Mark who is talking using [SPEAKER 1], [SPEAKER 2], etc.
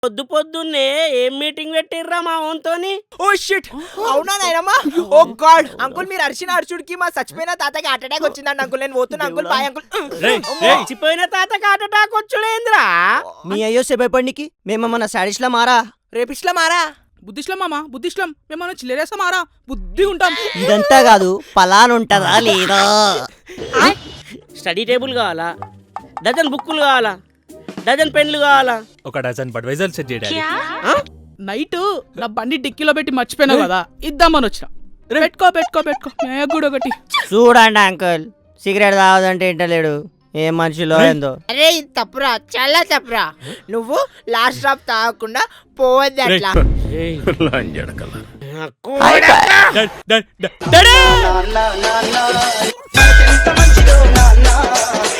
[SPEAKER 1] పొద్దున్నే ఏం మీటింగ్ పెట్టిర్రా మా ఓన్తోని?
[SPEAKER 2] ఓ షిట్, అవునా నాయనమ్మా? ఓ గాడ్ అంకుల్, మీరు అర్చుడికి మా చచ్చిపోయిన తాతకి హార్ట్ అటాక్ వచ్చిందండి అంకుల్. నేను పోతున్నా అంకుల్, బాయ్ అంకుల్.
[SPEAKER 1] చచ్చిపోయిన తాతకి హార్ట్ అటాక్ వచ్చుడేంద్రా?
[SPEAKER 3] మీ అయ్యో సేపడికి మేమేమన్నా సాడిస్లా మారా?
[SPEAKER 2] రేపిస్లా మారా?
[SPEAKER 4] బుద్ధిస్లం మామా, బుద్ధిస్లం. మేమన్నా చిల్లరేస్తా మారా? బుద్ధి ఉంటాం.
[SPEAKER 3] ఇదంతా కాదు, పలాన్ ఉంటదా లేదా?
[SPEAKER 1] స్టడీ టేబుల్ కావాలా? డజన్ బుక్కులు కావాలా? డజన్ పెన్లు కావాలా?
[SPEAKER 5] ఒక డజన్ బడ్వైజర్ సెట్ చేయడానికి.
[SPEAKER 4] నైట్ నా బండి డిక్కీలో పెట్టి మర్చిపోయినావు కదా, ఇద్దామని వచ్చిన. పెట్టుకో మేగుడు ఒకటి.
[SPEAKER 3] చూడండి అంకుల్, సిగరెట్ తాగదంటే ఇంటలేడు. ఏం మనిషిలో ఏందో.
[SPEAKER 2] అరే తప్పురా, చాలా తప్పురా. నువ్వు లాస్ట్ డ్రాప్ తాగకుండా పోవద్దు అట్లా.
[SPEAKER 5] డాడీ